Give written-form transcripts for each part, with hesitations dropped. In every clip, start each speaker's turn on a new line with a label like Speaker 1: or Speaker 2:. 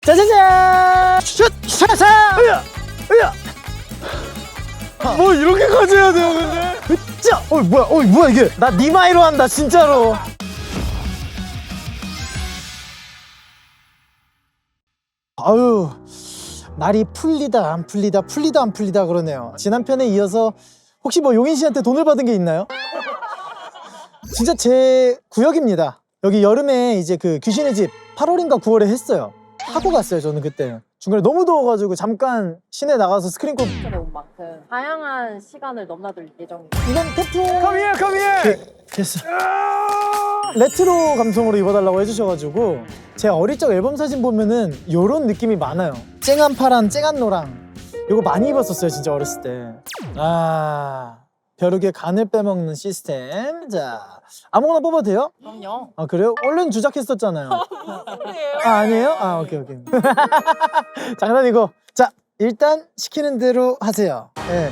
Speaker 1: 짜자잔! 슛! 샤샤! 으야! 으야! 뭐 이렇게까지 해야 돼요 근데? 으짜! 뭐야 이게? 나 니마이로 한다 진짜로. 아유, 날이 풀리다 안 풀리다 풀리다 안 풀리다 그러네요. 지난 편에 이어서 혹시 뭐 용인 씨한테 돈을 받은 게 있나요? 진짜 제 구역입니다. 여기 여름에 이제 그 귀신의 집 8월인가 9월에 했어요. 하고 갔어요 저는 그때. 중간에 너무 더워가지고 잠깐 시내 나가서 스크린콜.
Speaker 2: 온 만큼 다양한 시간을 넘나들 예정입니다.
Speaker 1: 이건 태풍.
Speaker 3: Come here.
Speaker 1: 됐어. 레트로 감성으로 입어달라고 해주셔가지고 제 어릴 적 앨범 사진 보면은 요런 느낌이 많아요. 쨍한 파랑, 쨍한 노랑. 요거 많이 입었었어요 진짜 어렸을 때. 아, 벼룩의 간을 빼먹는 시스템. 자, 아무거나 뽑아도 돼요?
Speaker 2: 그럼요.
Speaker 1: 아 그래요? 얼른 주작했었잖아요. 아 아니에요? 아 오케이. 장난이고. 자, 일단 시키는 대로 하세요. 네.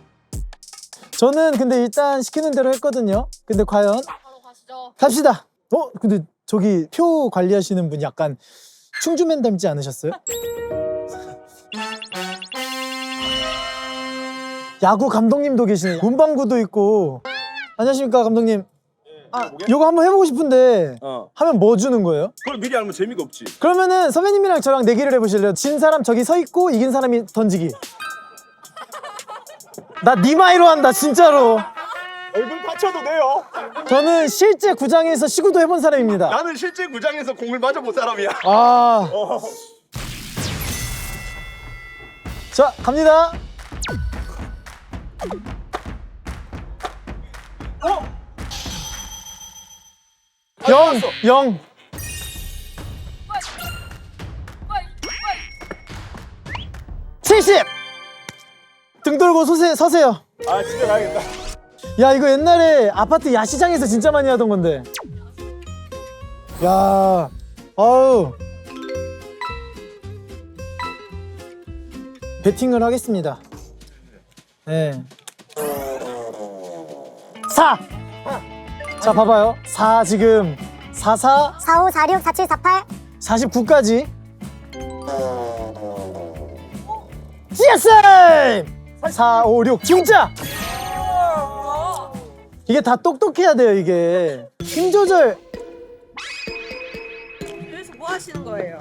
Speaker 1: 저는 근데 일단 시키는 대로 했거든요. 근데 과연
Speaker 2: 바로 가시죠.
Speaker 1: 갑시다. 근데 저기 표 관리하시는 분 약간 충주맨 닮지 않으셨어요? 야구 감독님도 계시네. 문방구도 있고. 안녕하십니까 감독님. 아, 요거 한번 해보고 싶은데 하면 뭐 주는 거예요?
Speaker 3: 그걸 미리 알면 재미가 없지.
Speaker 1: 그러면은 선배님이랑 저랑 내기를 해보실래요? 진 사람 저기 서 있고 이긴 사람이 던지기. 나 니마이로 한다 진짜로.
Speaker 3: 얼굴 받쳐도 돼요.
Speaker 1: 저는 실제 구장에서 시구도 해본 사람입니다.
Speaker 3: 나는 실제 구장에서 공을 맞아본 사람이야.
Speaker 1: 아. 자, 갑니다. 영. 칠십. 등 돌고 서세요.
Speaker 3: 아 집에 가야겠다.
Speaker 1: 야, 이거 옛날에 아파트 야시장에서 진짜 많이 하던 건데. 야, 아우. 배팅을 하겠습니다. 네. 4! 자, 봐봐요. 4 지금 44,
Speaker 4: 45, 46, 47, 48
Speaker 1: 49까지. 예스! 4, 5, 6 진짜! 이게 다 똑똑해야 돼요, 이게. 힘 조절.
Speaker 5: 그래서 뭐 하시는 거예요?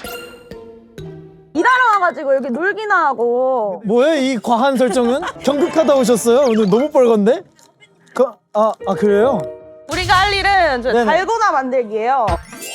Speaker 5: 일하러 와가지고 여기 놀기나 하고.
Speaker 1: 뭐예요, 이 과한 설정은? 경극하다 오셨어요? 오늘 너무 뻘건데? 그래요?
Speaker 5: 우리가 할 일은 저
Speaker 1: 네네.
Speaker 5: 달고나 만들기예요.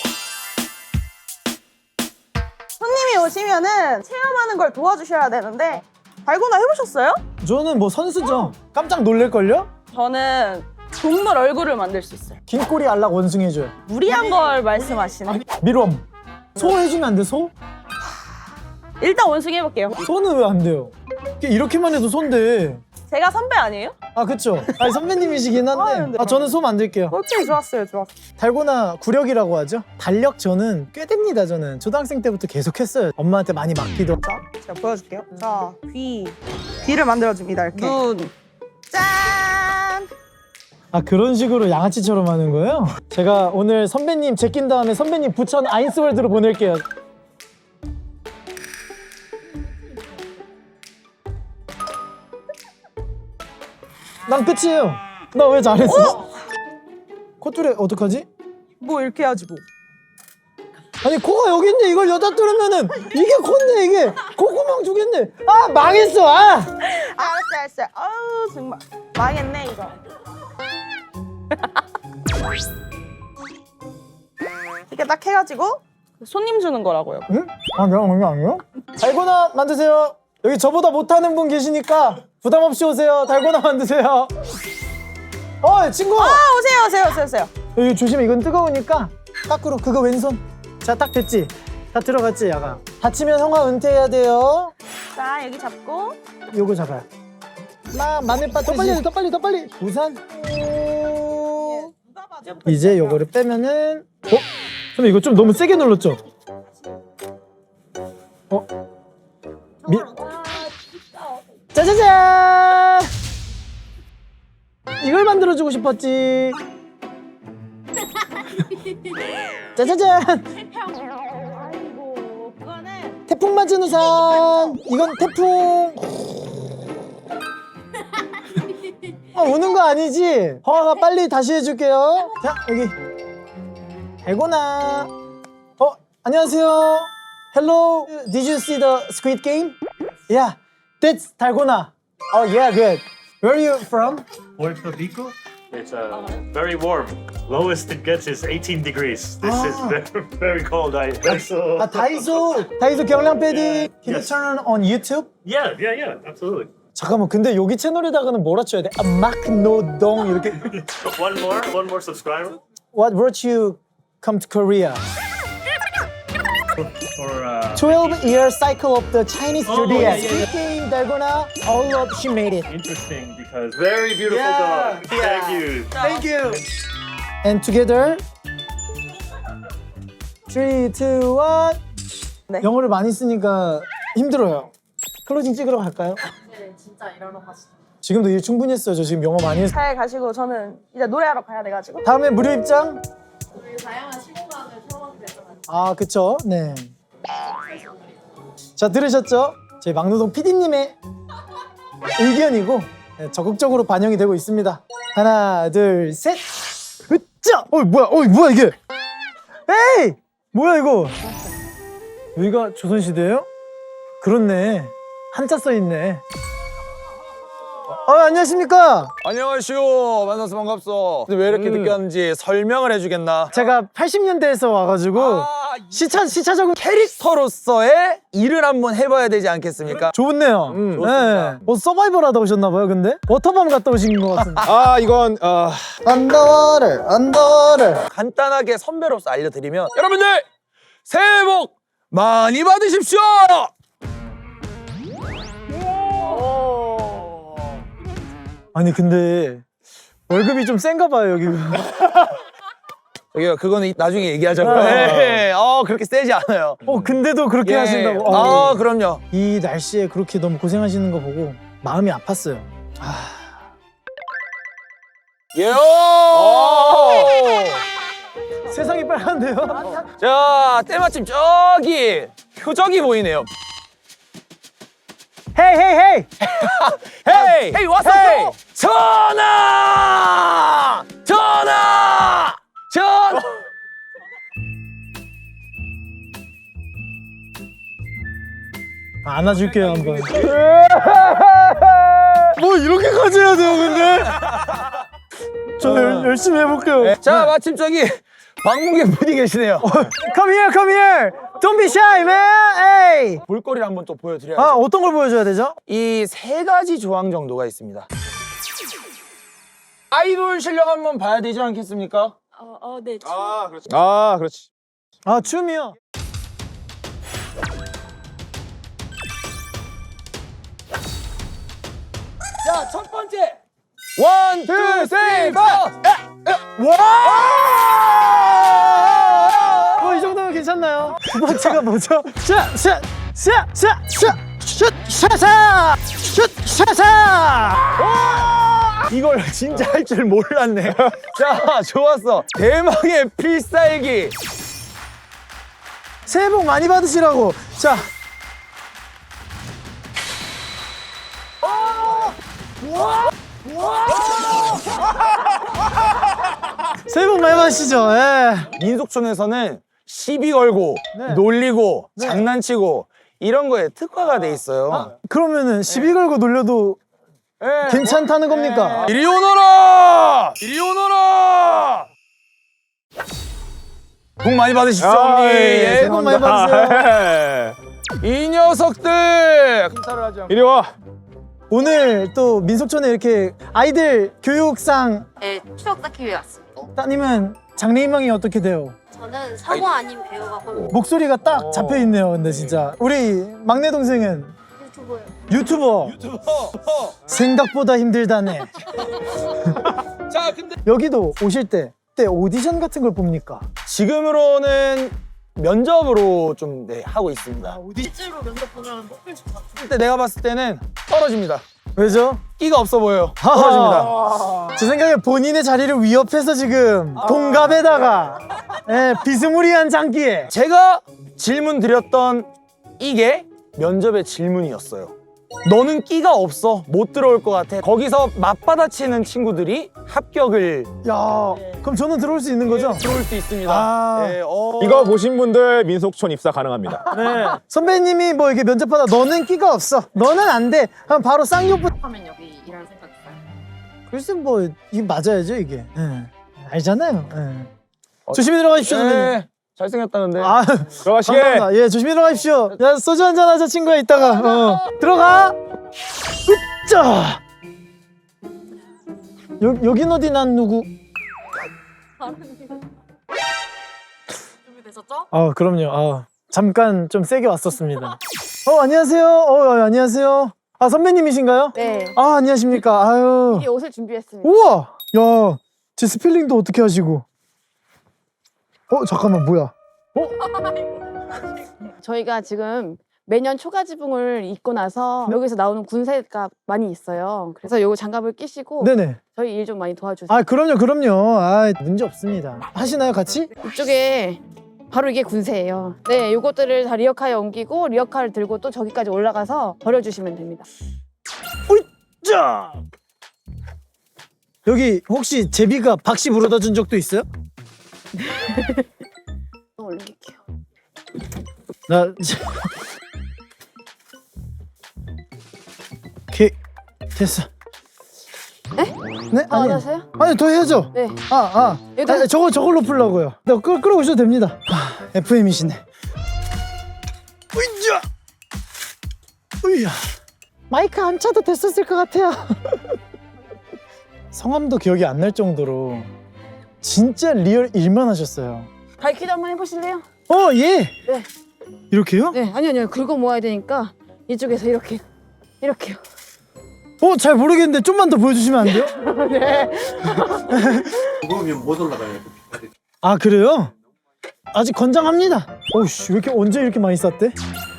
Speaker 5: 손님이 오시면은 체험하는 걸 도와주셔야 되는데 달고나 해보셨어요?
Speaker 1: 저는 뭐 선수죠. 깜짝 놀랄걸요?
Speaker 5: 저는 동물 얼굴을 만들 수 있어요.
Speaker 1: 긴 꼬리 알락 원숭이 해줘요.
Speaker 5: 무리한 걸 말씀하시네.
Speaker 1: 밀웜. 소 해주면 안 돼, 소?
Speaker 5: 일단 원숭이 해볼게요.
Speaker 1: 소는 왜 안 돼요? 이렇게만 해도 소인데.
Speaker 5: 제가 선배 아니에요?
Speaker 1: 아, 그쵸? 아니, 선배님이시긴 한데. 저는 소 만들게요.
Speaker 5: 오케이, 좋았어요.
Speaker 1: 달고나 구력이라고 하죠? 달력 저는 꽤 됩니다, 저는. 초등학생 때부터 계속 했어요. 엄마한테 많이 맡기도 하고.
Speaker 5: 제가 보여줄게요. 자, 귀를 만들어줍니다. 이렇게. 눈. 짠!
Speaker 1: 아, 그런 식으로 양아치처럼 하는 거예요? 제가 오늘 선배님 제낀 다음에 선배님 부천 아인스월드로 보낼게요. 난 끝이에요. 나 왜 잘했어? 콧줄에 어떡하지?
Speaker 5: 뭐 이렇게 해야지 뭐.
Speaker 1: 아니, 코가 여기 있네. 이걸 여자 뚫으면은 이게 콧네, 이게. 콧구멍 두겠네. 아, 망했어.
Speaker 5: 알았어요. 아우 정말 망했네 이거. 이렇게 딱 해가지고 손님 주는 거라고요.
Speaker 1: 응? 아니요. 달고나 만드세요. 여기 저보다 못하는 분 계시니까 부담 없이 오세요. 달고나 만드세요. 친구.
Speaker 5: 오세요.
Speaker 1: 여기 조심해. 이건 뜨거우니까 거꾸로. 그거 왼손. 자, 딱 됐지? 다 들어갔지, 야가. 다치면 형아 은퇴해야 돼요.
Speaker 5: 자 여기 잡고
Speaker 1: 요거 잡아요. 마늘 빠뜨지. 더 빨리. 우산. 이제 요거를 빼면은. 선배 이거 좀 너무 세게 눌렀죠? 짜자잔! 이걸 만들어주고 싶었지. 짜자잔!
Speaker 5: 아이고 그거는
Speaker 1: 태풍 맞은 우산. 이건 태풍. 우는 거 아니지? 허아가 빨리 다시 해줄게요. 자, 여기. 달고나. 안녕하세요. Hello. Did you see the Squid Game? Yeah, that's 달고나. Oh, yeah, good. Where are you from?
Speaker 4: Puerto Rico. It's very warm. Lowest it gets is 18 degrees. This is very, very cold. So
Speaker 1: 다이소 경량 패딩. Can you
Speaker 4: Yes.
Speaker 1: turn on YouTube?
Speaker 4: yeah, absolutely.
Speaker 1: 잠깐만, 근데 여기 채널에다가는 뭐라 쳐야 돼? 막노동 이렇게.
Speaker 4: One more subscriber
Speaker 1: What brought you come to Korea?
Speaker 4: for
Speaker 1: 12-year cycle of the Chinese
Speaker 4: Oh,
Speaker 1: zodiac.
Speaker 4: yeah, yeah,
Speaker 1: Squid Game, 달고나, all of she made it.
Speaker 4: interesting because very beautiful
Speaker 1: Yeah,
Speaker 4: dog. Thank you.
Speaker 1: Thank you. And together. 3, 2, 1.
Speaker 5: 네.
Speaker 1: 영어를 많이 쓰니까 힘들어요. 클로징 찍으러 갈까요?
Speaker 2: 네, 진짜 일하러 가시죠.
Speaker 1: 지금도 일 충분히 했어요. 저 지금 영어 많이 했어요.
Speaker 5: 잘 가시고 저는 이제 노래하러 가야 돼가지고.
Speaker 1: 다음에 무료 입장?
Speaker 2: 저희 다양한 시공간을 털어가게 되잖아요.
Speaker 1: 아, 그쵸? 네. 자, 들으셨죠? 저희 막노동 PD님의 의견이고 네, 적극적으로 반영이 되고 있습니다. 하나, 둘, 셋. 으짜! 뭐야 이게? 에이! 뭐야 이거? 여기가 조선시대예요? 그렇네. 한자 써 있네. 안녕하십니까?
Speaker 6: 안녕하시오. 만나서 반갑소. 근데 왜 이렇게 늦게 왔는지 설명을 해주겠나?
Speaker 1: 제가 80년대에서 와가지고 시차 적응
Speaker 6: 캐릭터로서의 일을 한번 해봐야 되지 않겠습니까?
Speaker 1: 좋네요.
Speaker 6: 좋습니다.
Speaker 1: 서바이벌 하다 오셨나봐요, 근데? 워터밤 갔다 오신 것 같은데.
Speaker 6: 이건
Speaker 1: 언더워터.
Speaker 6: 간단하게 선배로서 알려드리면 여러분들 새해 복 많이 받으십시오.
Speaker 1: 아니, 근데 월급이 좀 센가 봐요, 여기가.
Speaker 6: 저기요, 그거는 나중에 얘기하자고요.
Speaker 1: 네.
Speaker 6: 그렇게 세지 않아요.
Speaker 1: 근데도 그렇게
Speaker 6: 예.
Speaker 1: 하신다고.
Speaker 6: 그럼요.
Speaker 1: 이 날씨에 그렇게 너무 고생하시는 거 보고 마음이 아팠어요.
Speaker 6: 예.
Speaker 1: 세상이 빨간데요?
Speaker 6: 자, 때마침 저기 표적이 보이네요.
Speaker 1: 헤이!
Speaker 6: 헤이 왔어.
Speaker 1: 헤이!
Speaker 6: 전하!
Speaker 1: 안아줄게요, 한번. 뭐 이렇게까지 해야 돼요, 근데? 저 열심히 해볼게요.
Speaker 6: 자, 마침 저기 방문객 분이 계시네요.
Speaker 1: Come here! Don't be shy, man! Hey!
Speaker 6: 볼거리를 한번 또 보여드려야죠.
Speaker 1: 어떤 걸 보여줘야 되죠?
Speaker 6: 이 세 가지 조항 정도가 있습니다. 아이돌 실력 한번 봐야 되지 않겠습니까?
Speaker 2: 네.
Speaker 3: 그렇지.
Speaker 1: 춤이요.
Speaker 6: 자, 첫 번째. 원, 투, 쓰리, 포.
Speaker 1: 이 정도면 괜찮나요? 두 번째가 뭐죠?
Speaker 6: 이걸 진짜 할 줄 몰랐네. 자, 좋았어. 대망의 필살기.
Speaker 1: 새해 복 많이 받으시라고. 자. 새해 복 많이 받으시죠. 예.
Speaker 6: 민속촌에서는 시비 걸고
Speaker 1: 네.
Speaker 6: 놀리고
Speaker 1: 네.
Speaker 6: 장난치고 이런 거에 특화가 돼 있어요.
Speaker 1: 그러면은 시비 걸고 놀려도
Speaker 6: 예.
Speaker 1: 괜찮다는 겁니까?
Speaker 6: 이리 오너라! 이리 오너라! 복 많이 받으십시오, 언니. 예,
Speaker 1: 새해 복 많이 받으세요.
Speaker 6: 이 녀석들!
Speaker 3: 이리 와.
Speaker 1: 오늘 또 민속촌에 이렇게 아이들 교육상
Speaker 7: 네, 추억 쌓기 위해 왔습니다.
Speaker 1: 따님은 장래희망이 어떻게 돼요?
Speaker 7: 저는 성우 아닌 배우가 곧
Speaker 1: 목소리가 딱 잡혀 있네요. 근데 진짜 우리 막내 동생은
Speaker 7: 유튜버예요.
Speaker 1: 유튜버. 생각보다 힘들다네.
Speaker 6: 자, 근데
Speaker 1: 여기도 오실 때 오디션 같은 걸 봅니까?
Speaker 6: 지금으로는 면접으로 좀 하고 있습니다.
Speaker 2: 실제로 면접 보면 뽑힐 것 같아요.
Speaker 6: 그때 내가 봤을 때는 떨어집니다.
Speaker 1: 왜죠?
Speaker 6: 끼가 없어 보여요. 떨어집니다.
Speaker 1: 제 생각에 본인의 자리를 위협해서 지금 동갑에다가 비스무리한 장기에
Speaker 6: 제가 질문 드렸던 이게 면접의 질문이었어요. 너는 끼가 없어. 못 들어올 것 같아. 거기서 맞받아치는 친구들이 합격을
Speaker 1: 야, 그럼 저는 들어올 수 있는 거죠?
Speaker 6: 들어올 수 있습니다.
Speaker 1: 아.
Speaker 6: 네,
Speaker 3: 이거 보신 분들 민속촌 입사 가능합니다.
Speaker 6: 네.
Speaker 1: 선배님이 뭐 이렇게 면접하다 너는 끼가 없어. 너는 안 돼. 그럼 바로 쌍욕부터.
Speaker 2: 하면 여기 일할 생각 있어요?
Speaker 1: 글쎄 뭐 이게 맞아야죠 이게. 예. 알잖아요. 예. 조심히 들어가십시오 선배님.
Speaker 6: 네. 잘생겼다는데.
Speaker 1: 아,
Speaker 3: 들어가시게.
Speaker 1: 감사합니다. 예, 조심히 들어가십시오. 야, 소주 한잔 하자 친구야 이따가. 들어가. 으짜. 여긴 어디 난 누구?
Speaker 2: 준비되셨죠?
Speaker 1: 아, 그럼요. 아, 잠깐 좀 세게 왔었습니다. 안녕하세요. 안녕하세요. 아, 선배님이신가요?
Speaker 5: 네.
Speaker 1: 아, 안녕하십니까. 아유.
Speaker 5: 이 옷을 준비했습니다.
Speaker 1: 우와! 야, 제 스펠링도 어떻게 하시고? 잠깐만, 뭐야?
Speaker 5: 저희가 지금 매년 초가지붕을 입고 나서 여기서 나오는 군세가 많이 있어요. 그래서 요거 장갑을 끼시고
Speaker 1: 네네.
Speaker 5: 저희 일 좀 많이 도와주세요.
Speaker 1: 아, 그럼요. 아, 문제 없습니다. 하시나요, 같이?
Speaker 5: 이쪽에 바로 이게 군세예요. 네, 요것들을 다 리어카에 옮기고 리어카를 들고 또 저기까지 올라가서 버려주시면 됩니다.
Speaker 1: 자! 여기 혹시 제비가 박씨 물어다 준 적도 있어요?
Speaker 5: 또 올릴게요.
Speaker 1: 나 오케이 됐어.
Speaker 5: 네?
Speaker 1: 네?
Speaker 5: 아,
Speaker 1: 아니,
Speaker 5: 안녕하세요?
Speaker 1: 아니 더 해야죠.
Speaker 5: 네.
Speaker 1: 아니, 저걸로 풀라고요. 네, 끌어오셔도 됩니다. FM이시네. 으이자, 으야. 마이크 안 차도 됐었을 것 같아요. 성함도 기억이 안 날 정도로 진짜 리얼 일만 하셨어요.
Speaker 5: 발키도 한번 해보실래요?
Speaker 1: 예.
Speaker 5: 네.
Speaker 1: 이렇게요?
Speaker 5: 네, 아니요. 긁어 모아야 되니까 이쪽에서 이렇게요.
Speaker 1: 잘 모르겠는데 좀만 더 보여주시면 안 돼요?
Speaker 5: 네.
Speaker 4: 무거우면 못 올라가요.
Speaker 1: 아, 그래요? 아직 건장합니다. 오씨, 왜 이렇게 언제 이렇게 많이 쌌대?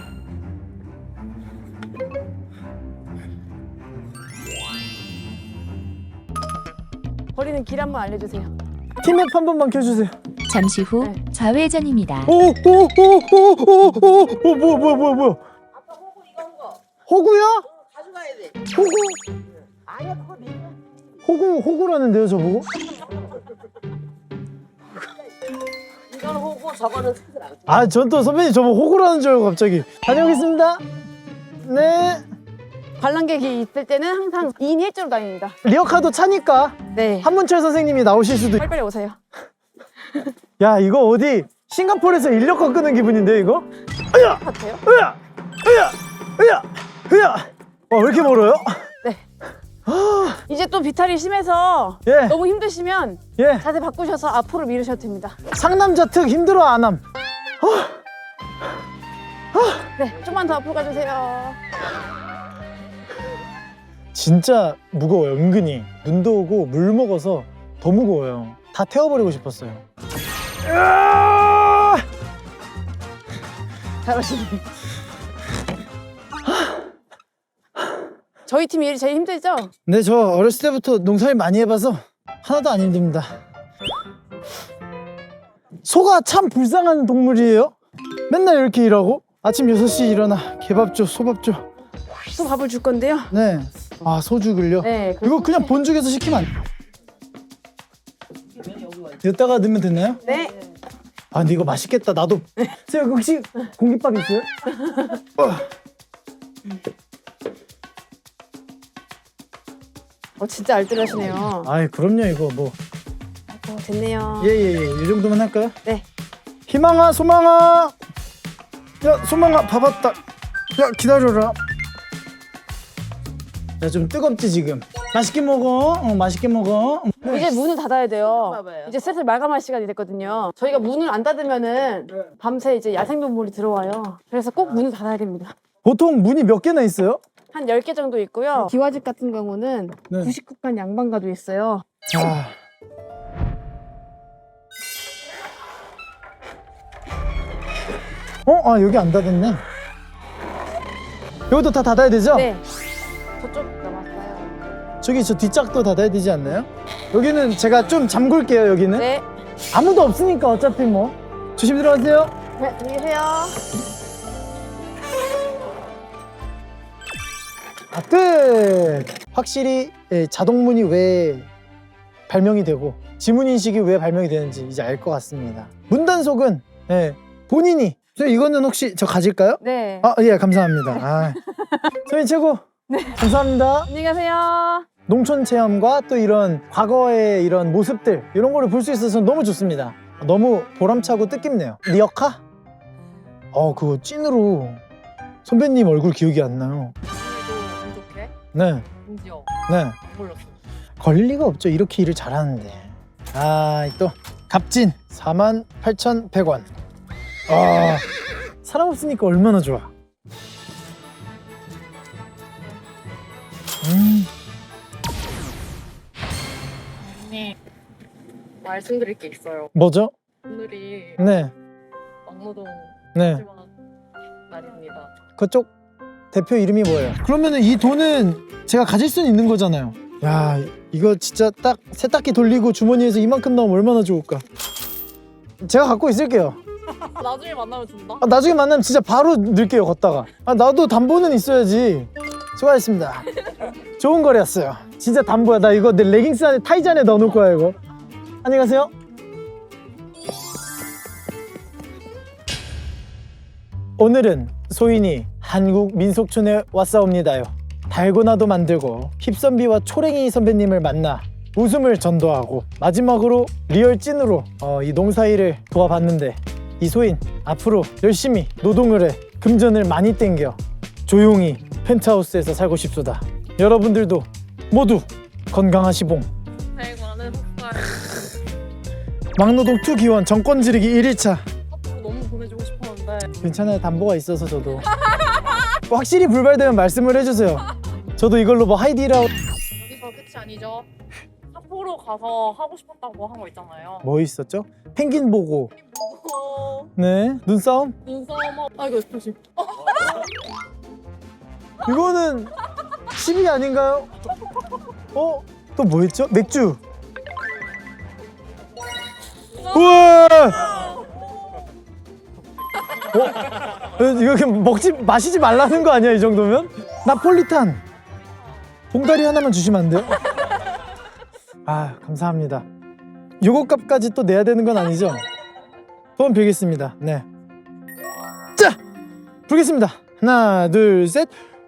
Speaker 5: 버리는 길 한번 알려주세요.
Speaker 1: 티맵 한 번만 켜주세요.
Speaker 8: 잠시 후
Speaker 5: 네.
Speaker 8: 좌회전입니다.
Speaker 1: 뭐야.
Speaker 2: 아까 호구 이거 한 거.
Speaker 1: 호구요?
Speaker 2: 가져가야 돼.
Speaker 1: 호구?
Speaker 2: 아니야 그거 내
Speaker 1: 호구라는데요, 저보고?
Speaker 2: 이거는 호구 저거는 스스로 안 써.
Speaker 1: 아, 전 또 선배님 저보고 호구라는 줄 알고 갑자기. 다녀오겠습니다. 네.
Speaker 5: 관람객이 있을 때는 항상 2인 1조로 다닙니다.
Speaker 1: 리어카도 차니까
Speaker 5: 네.
Speaker 1: 한문철 선생님이 나오실 수도 있...
Speaker 5: 빨리빨리 오세요.
Speaker 1: 야, 이거 어디 싱가포르에서 인력거 끄는 기분인데 이거?
Speaker 5: 같아요?
Speaker 1: 왜 이렇게 멀어요?
Speaker 5: 이제 또 비탈이 심해서
Speaker 1: 예.
Speaker 5: 너무 힘드시면
Speaker 1: 예.
Speaker 5: 자세 바꾸셔서 앞으로 미루셔도 됩니다.
Speaker 1: 상남자 특 힘들어 안 함.
Speaker 5: 네, 좀만 더 앞으로 가주세요.
Speaker 1: 진짜 무거워요, 은근히. 눈도 오고 물 먹어서 더 무거워요. 다 태워버리고 싶었어요.
Speaker 5: 잘하시네. 저희 팀 일이 제일 힘들죠?
Speaker 1: 네, 저 어렸을 때부터 농사일 많이 해봐서 하나도 안 힘듭니다. 소가 참 불쌍한 동물이에요. 맨날 이렇게 일하고 아침 6시 일어나 개밥 줘, 소밥 줘.
Speaker 5: 또 밥을 줄 건데요.
Speaker 1: 네. 아, 소죽을요?
Speaker 5: 네.
Speaker 1: 이거 그냥 본죽에서 시키면 안 돼. 여기다가 넣으면 되나요?
Speaker 5: 네.
Speaker 1: 아, 근데 이거 맛있겠다. 나도. 선생님, 혹시 공깃밥 있어요?
Speaker 5: 진짜 알뜰하시네요.
Speaker 1: 아이, 그럼요, 이거 뭐.
Speaker 5: 됐네요.
Speaker 1: 이 정도만 할까요?
Speaker 5: 네.
Speaker 1: 희망아, 소망아. 야, 소망아, 밥 왔다. 야, 기다려라. 야, 좀 뜨겁지 지금. 맛있게 먹어. 맛있게 먹어.
Speaker 5: 이제 문을 닫아야 돼요. 이제 슬슬 마감할 시간이 됐거든요. 저희가 문을 안 닫으면은 밤새 이제 야생동물이 들어와요. 그래서 꼭 문을 닫아야 됩니다.
Speaker 1: 보통 문이 몇 개나 있어요?
Speaker 5: 한 10개 정도 있고요. 기와집 같은 경우는
Speaker 1: 네.
Speaker 5: 99칸 양반가도 있어요.
Speaker 1: 여기 안 닫았네. 여기도 다 닫아야 되죠?
Speaker 5: 네. 저쪽 남았어요.
Speaker 1: 저기 저 뒷짝도 닫아야 되지 않나요? 여기는 제가 좀 잠글게요, 여기는.
Speaker 5: 네.
Speaker 1: 아무도 없으니까 어차피 뭐. 조심히 들어가세요.
Speaker 5: 네, 안녕히 계세요.
Speaker 1: 끝! 확실히 자동문이 왜 발명이 되고 지문인식이 왜 발명이 되는지 이제 알 것 같습니다. 문단속은 본인이 이거는 혹시 저 가질까요?
Speaker 5: 네.
Speaker 1: 아, 예, 감사합니다. 아. 소희 최고. 감사합니다.
Speaker 5: 안녕히 가세요.
Speaker 1: 농촌 체험과 또 이런 과거의 이런 모습들 이런 거를 볼 수 있어서 너무 좋습니다. 너무 보람차고 뜻깊네요. 리어카? 그거 찐으로 선배님 얼굴 기억이 안 나요.
Speaker 2: 운 좋게
Speaker 1: 네,
Speaker 2: 심지어
Speaker 1: 네.
Speaker 2: 안 몰랐어.
Speaker 1: 걸릴 리가 없죠. 이렇게 일을 잘하는데. 또 값진 48,100원. 사람 없으니까 얼마나 좋아.
Speaker 2: 언니 말씀드릴 게 있어요.
Speaker 1: 뭐죠?
Speaker 2: 오늘이
Speaker 1: 네,
Speaker 2: 막노동
Speaker 1: 네.
Speaker 2: 마지막 날입니다.
Speaker 1: 그쪽 대표 이름이 뭐예요? 그러면은 이 돈은 제가 가질 수는 있는 거잖아요. 야, 이거 진짜 딱 세탁기 돌리고 주머니에서 이만큼 나오면 얼마나 좋을까. 제가 갖고 있을게요.
Speaker 2: 나중에 만나면 준다.
Speaker 1: 나중에 만나면 진짜 바로 넣을게요, 걷다가. 나도 담보는 있어야지. 수고하셨습니다. 좋은 거래였어요. 진짜 담보야. 나 이거 내 레깅스 안에 타이즈 안에 넣어놓을 거야, 이거. 안녕히 가세요. 오늘은 소인이 한국 민속촌에 왔사옵니다요. 달고나도 만들고 힙선비와 초랭이 선배님을 만나 웃음을 전도하고 마지막으로 리얼 찐으로 이 농사일을 도와봤는데 이 소인 앞으로 열심히 노동을 해 금전을 많이 땡겨 조용히 펜트하우스에서 살고 싶소다. 여러분들도 모두 건강하시봉.
Speaker 2: 대관은 흑살.
Speaker 1: 막노동 2 기원 정권 지르기 1일차.
Speaker 2: 앞으로 너무 보내주고 싶었는데
Speaker 1: 괜찮아요. 담보가 있어서 저도. 확실히 불발되면 말씀을 해주세요. 저도 이걸로 뭐 하이디라고.
Speaker 2: 여기서 끝이 아니죠. 삿포로 가서 하고 싶었다고 한 거 있잖아요.
Speaker 1: 뭐 있었죠? 펭귄 보고.
Speaker 2: 보고
Speaker 1: 네, 눈싸움?
Speaker 2: 눈싸움하고 이거 조심.
Speaker 1: 이거는 10위 아닌가요? 또 뭐 했죠? 맥주. 우와! 이거 그냥 마시지 말라는 거 아니야, 이 정도면? 나폴리탄. 봉다리 하나만 주시면 안 돼요? 감사합니다. 요거 값까지 또 내야 되는 건 아니죠? 소원 빌겠습니다. 네. 자! 부르겠습니다. 하나, 둘, 셋.